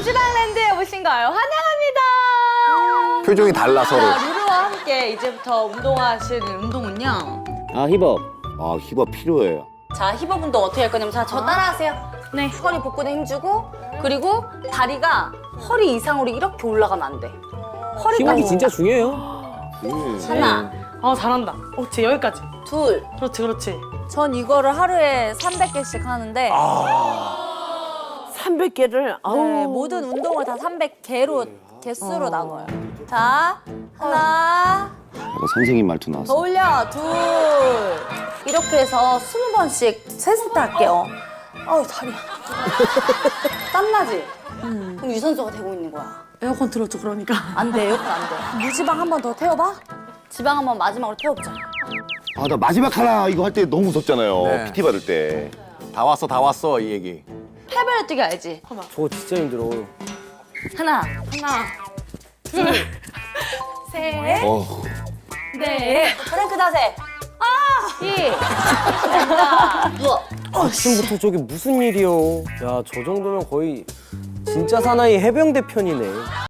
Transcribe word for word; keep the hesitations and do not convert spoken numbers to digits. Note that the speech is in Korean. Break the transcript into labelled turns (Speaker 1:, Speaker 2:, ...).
Speaker 1: 도시락랜드에 오신 걸 환영합니다.
Speaker 2: 표정이 달라 서로.
Speaker 1: 자, 루루와 함께 이제부터 운동하실 운동은요.
Speaker 3: 아 힙업.
Speaker 2: 아 힙업 필요해요.
Speaker 1: 자, 힙업 운동 어떻게 할 거냐면 자, 저 따라하세요. 네. 허리 복근에 힘주고 그리고 다리가 허리 이상으로 이렇게 올라가면 안 돼. 허리가
Speaker 3: 힙업이 진짜 중요해요.
Speaker 1: 하나,
Speaker 4: 어 잘한다. 어, 제 여기까지.
Speaker 1: 둘.
Speaker 4: 그렇지, 그렇지.
Speaker 1: 전 이거를 하루에 삼백 개씩 하는데
Speaker 5: 삼백 개를 아우.
Speaker 1: 네, 모든 운동을 다 삼백 개로 개수로 나눠요. 자, 하나,
Speaker 2: 약간 선생님 말투
Speaker 1: 더
Speaker 2: 나왔어.
Speaker 1: 올려, 둘. 이렇게 해서 스무 번씩 세 세트 할게요. 아우, 다리야. 땀나지? 그럼 유산소가 되고 있는 거야.
Speaker 4: 에어컨 틀었죠, 그러니까.
Speaker 1: 안 돼, 에어컨 안 돼. 무지방 한 번 더 태워봐. 지방 한 번 마지막으로 태워보자.
Speaker 2: 아 나 마지막 하나 이거 할 때 너무 무섭잖아요.
Speaker 6: 네.
Speaker 2: 피티 받을 때.
Speaker 6: 다 왔어 다 왔어 이 얘기.
Speaker 1: 팔벌려 뛰기 알지?
Speaker 3: 저거 진짜 힘들어.
Speaker 1: 하나,
Speaker 4: 하나.
Speaker 1: 셋,
Speaker 2: 어.
Speaker 1: 넷. 프랭크 자세. 아! 이. 됐다. 누워.
Speaker 3: 아침부터 저게 무슨 일이요? 야, 저 정도면 거의 진짜 사나이 해병대 편이네.